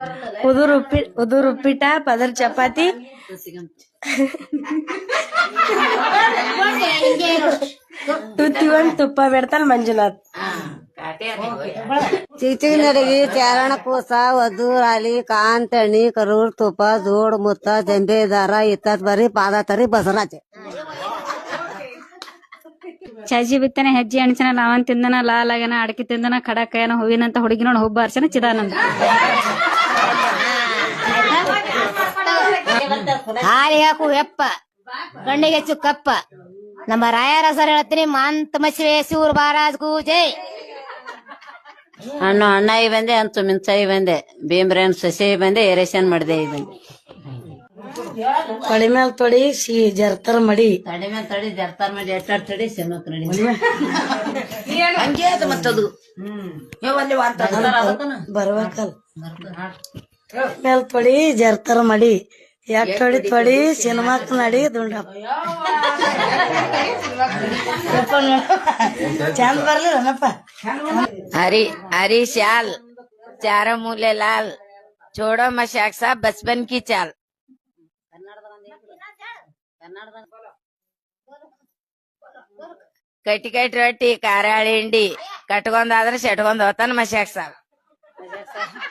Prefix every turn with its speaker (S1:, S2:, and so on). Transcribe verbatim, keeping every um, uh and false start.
S1: ಉದುರು ಉಪ್ಪಿ ಉದುರು ಉಪ್ಪಿಟ ಪದರ್ ಚಪಾತಿ ತುತ್ತಿಗೊಂದ್ ತುಪ್ಪ ಬಿಡ್ತಾನ ಮಂಜುನಾಥ್.
S2: ಚಿಚಿನಡಗಿ ಚಾರಣ ಕೂಸ ವಧೂರಾಲಿ ಕಾಂತಣಿ ಕರೂರ್ ತುಪ್ಪ ಜೋಡ್ ಮುತ್ತ ಜಂಬೆ ದಾರ ಇತ್ತತ್ ಬರೀ ಪಾದ ತರಿ ಬಸರಾಜೆ
S3: ಚಾಜಿ ಬಿತ್ತನೆ ಹೆಜ್ಜೆ ಅಣಚನ ಲಾವನ್ ತಿಂದನ ಲಾಲಾಗನ ಅಡಕಿ ತಿಂದನ ಖಡಕಯನ ಹೂವಿನಂತ ಹುಡುಗಿ ನೋಡ್ ಹುಬ್ಬ ಅರ್ಚನ ಚಿದಾನಂದ.
S2: ಹಾಲಿ ಹಾಕು ಎಪ್ಪ ಕಣ್ಣಿಗೆ ಚುಕ್ಕಪ್ಪ ನಮ್ಮ ರಾಯರ ಸರ್ ಹೇಳ್ತೀನಿ ಮಂತ್ ಮಶ್ವೇ ಶಿವರ್ ಮಹಾರಾಜ್ಗೂ ಜೈ.
S4: ಹಣ್ಣು ಅಣ್ಣಾಯಿ ಬಂದೆ ಅಂತು ಮಿಂಚಾಯಿ ಬಂದೆ ಭೀಮ್ರೇನ್ ಸಸಿ ಬಂದೆ ಏರೇಷನ್ ಮಾಡಿದೆ ಬಂದೆ
S1: ತೊಳಿ ಮ್ಯಾಲ ತೊಡಿ ಸಿ ಜರ್ತರ್ ಮಡಿ
S4: ತಡಿ ಮೇಲೆ ತಡಿ ಜರ್ತಾರ್ ಮಾಡಿ ಎಟ್ಟಾಡ್ ತಡಿ ಸಿಮಕ್ ನಡಿ
S5: ಹಂಗೆ ಅದು ಮತ್ತದು
S1: ಬರ್ಬೇಕಲ್ ಮೇಲ್ ತೊಡಿ ಜರ್ತರ್ ಮಡಿ ಎಟ್ ತೊಡಿ ತೊಡಿ ಸಿನಿಮಾಕ್ ನಡಿ ದುಂಡಪ್ಪ ಚಂದ ಬರ್ಲಿಲ್ಲಪ್ಪ.
S4: हरी हरी श्याल चारों मूले लाल छोड़ो मशाक साहब बचपन की चाल. ಕಟ್ಟಿ ಕಟ್ಟಿ ರೊಟ್ಟಿ ಕಾರಾಳಿ ಹಿಂಡಿ ಕಟ್ಕೊಂಡಾದ್ರೆ ಸೆಟ್ಕೊಂಡ್ ಹೋತಾನ ಮಶಾಕ್ ಸಾಬ್.